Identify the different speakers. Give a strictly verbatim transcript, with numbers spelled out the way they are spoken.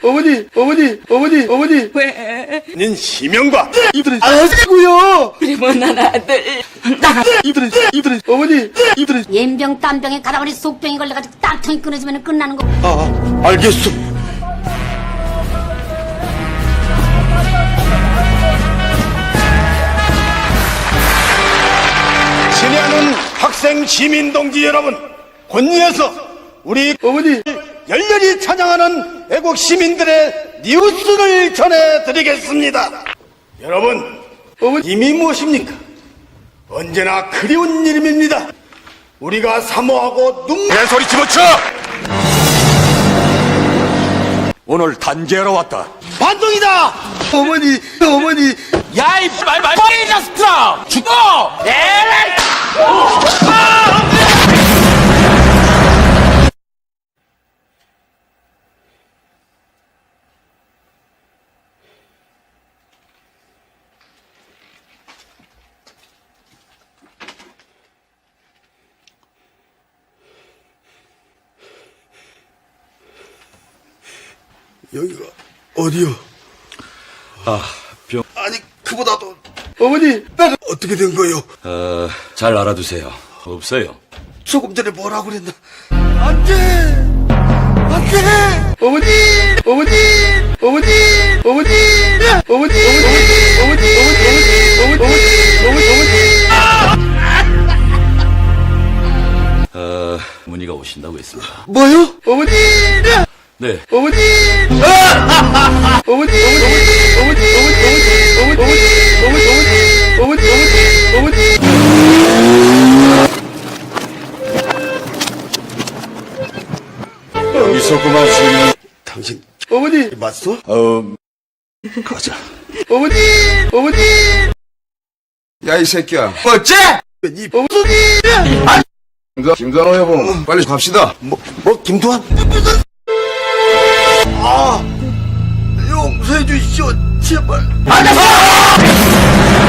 Speaker 1: 어머니, 어머니, 어머니, 어머니.
Speaker 2: 왜?
Speaker 3: 닌 시명과
Speaker 1: 이들은 아시고요.
Speaker 2: 우리 못난 아들.
Speaker 1: 이들은 이들은 어머니, 이들은
Speaker 4: 옌병 땀병에 가다버리 속병이 걸려가지고 땀통이 끊어지면 끝나는 거.
Speaker 1: 아, 알겠어.
Speaker 3: 친애하는 학생 시민 동지 여러분, 권위에서 우리
Speaker 1: 어머니,
Speaker 3: 열렬히 찬양하는 애국 시민들의 뉴스를 전해드리겠습니다. 여러분,
Speaker 1: 어머니,
Speaker 3: 이미 무엇입니까? 언제나 그리운 이름입니다. 우리가 사모하고 눈
Speaker 5: 개소리 집어쳐! 오늘 단죄하러 왔다.
Speaker 3: 반동이다!
Speaker 1: 어머니, 어머니.
Speaker 5: 야, 이 말말 머리 자스트라! 죽어! 에라이!
Speaker 1: 여기가 어디요?
Speaker 5: 아, 병...
Speaker 1: 아니, 그보다도 어머니, 나는 어떻게 된 거요?
Speaker 5: 어, 잘 알아두세요. 없어요.
Speaker 1: 조금 전에 뭐라고 그랬나? 안 돼! 안 돼! 어머니! 어머니! 어머니! 어머니! 어머니! 어머니! 어머니! 어머니! 어머니! 어머니! 어머니!
Speaker 5: 어, 문의가 오신다고 했습니다.
Speaker 1: 뭐요? 어머니!
Speaker 5: 네.
Speaker 1: 어머니! 어머니! 어머니! 어머니! 어머니! 어머니! 어머니! 어머니! 어머니!
Speaker 5: 여기서 그만 쉬면.
Speaker 1: 당신 어머니 맞소?
Speaker 5: 어, 가자.
Speaker 1: 어머니! 어머니!
Speaker 6: 야, 이 새끼야. 어째?
Speaker 1: 이 어머니!
Speaker 6: 김- 김단호 여보, 빨리 갑시다.
Speaker 1: 뭐, 뭐 김두한? 아, 용서해 주시오, 제발.